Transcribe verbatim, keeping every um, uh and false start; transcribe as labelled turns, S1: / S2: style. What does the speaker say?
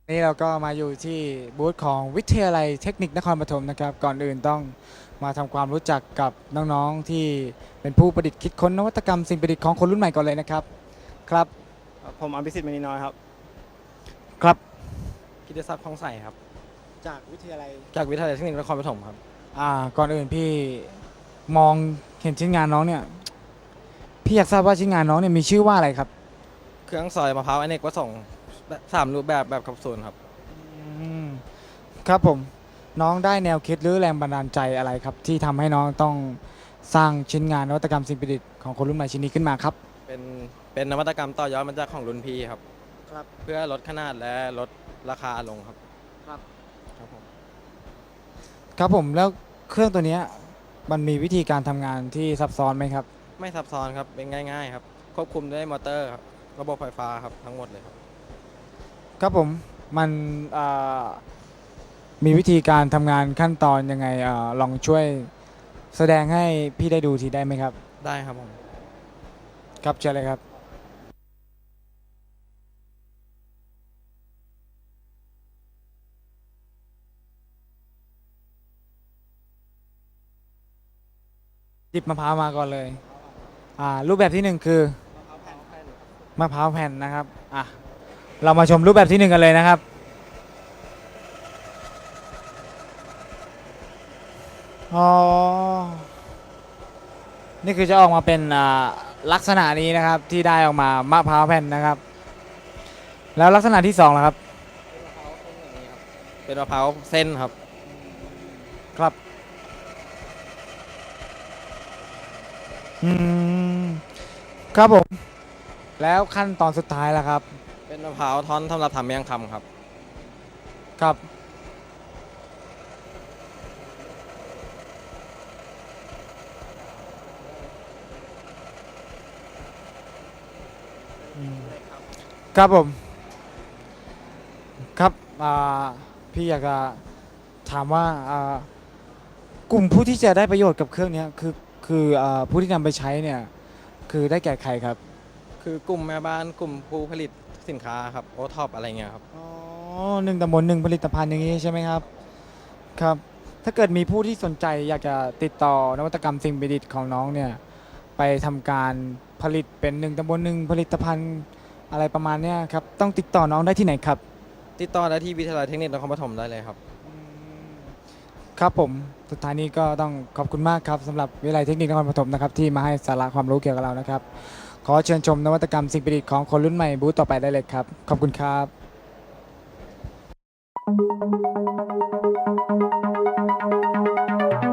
S1: นี่เราก็มาอยู่ที่บูธของวิทยาลัยเทคนิคนครปฐมนะครับก่อนอื่นต้องมาทำความรู้จักกับน้องๆที่เป็นผู้ประดิษฐ์คิดค้นนวัตกรรมสิ่งประดิษฐ์ของคนรุ่นใหม่ก่อนเลยนะครับครับ
S2: ผมอภิสิทธิ์มณีน้อยครับ
S1: ครับ
S3: กิตศักดิ์คลองใสครับ
S1: จากวิทยาลัย
S3: จากวิทยาลัยเทคนิคนครปฐมครับ
S1: อ่าก่อนอื่นพี่มองเห็นชิ้นงานน้องเนี่ยพี่อยากทราบว่าชิ้นงานน้องเนี่ยมีชื่อว่าอะไรครับ
S3: เครื่องซอยมะพร้าวอเนกประสงค์สามรูปแบบแบบแคปซูลครับ
S1: อืมครับผมน้องได้แนวคิดหรือแรงบันดาลใจอะไรครับที่ทำให้น้องต้องสร้างชิ้นงานนวัตกรรมสิ่งประดิษฐ์ของคนรุ่นใหม่ชิ้นนี้ขึ้นมาครับ
S3: เป็นเป็นนวัตกรรมต่อยอดมาจากของรุ่นพี่ครับ
S1: ครับ
S3: เพื่อลดขนาดและลดราคาลงครับ
S1: ครับ
S3: ครับผม
S1: ครับผมแล้วเครื่องตัวเนี้ยมันมีวิธีการทำงานที่ซับซ้อนไหมครับ
S3: ไม่ซับซ้อนครับเป็นง่ายๆครับควบคุมด้วยมอเตอร์ครับระบบไฟฟ้าครับทั้งหมดเลยครับ
S1: ครับผมมันเอ่อมีวิธีการทำงานขั้นตอนยังไงเอ่อลองช่วยแสดงให้พี่ได้ดูทีได้ไหมครับ
S3: ได้ครับผม
S1: ครับเชิญเลยครับหยิบมะพร้าวมาก่อนเลยอ่ารูปแบบที่หนึ่งคือมะพร้าวแผ่นนะครับอ่ะเรามาชมรูปแบบที่หนึ่งกันเลยนะครับอ๋อนี่คือจะออกมาเป็นอ่าลักษณะนี้นะครับที่ได้ออกมามะพร้าวแผ่นนะครับแล้วลักษณะที่สองล่ะครับ
S3: เป็นมะพร้าวเส้นครับ
S1: ครับอืมครับผมแล้วขั้นตอนสุดท้ายล่ะครับ
S3: เป็นมะพร้าวท่อนสำหรับทำเมี่ยงคำครับ
S1: ครับอืมครับผมครับอ่าพี่อยากจะถามว่าอ่ากลุ่มผู้ที่จะได้ประโยชน์กับเครื่องนี้คือคืออ่าผู้ที่นำไปใช้เนี่ยคือได้แก่ใครครับ
S3: คือกลุ่มแม่บ้านกลุ่มผู้ผลิตสินค้าครับโอท็อปอะไรเงี้ยครับ
S1: อ๋อหนึ่งตำบลหนึ่งผลิตภัณฑ์อย่างนี้ใช่ไหมครับครับถ้าเกิดมีผู้ที่สนใจอยากจะติดต่อนวัตกรรมสิ่งประดิษฐ์ของน้องเนี่ยไปทำการผลิตเป็นหนึ่งตำบลหนึ่งผลิตภัณฑ์อะไรประมาณเนี้ยครับต้องติดต่อน้องได้ที่ไหนครับ
S3: ติดต่อได้ที่วิทยาลัยเทคนิคนครปฐมได้เลยครับ
S1: ครับผมสุดท้ายนี้ก็ต้องขอบคุณมากครับสำหรับวิทยาลัยเทคนิคนครปฐมนะครับที่มาให้สาระความรู้เกี่ยวกับเรานะครับขอเชิญชมนวัตกรรมสิ่งประดิษฐ์ของคนรุ่นใหม่บูธต่อไปได้เลยครับขอบคุณครับ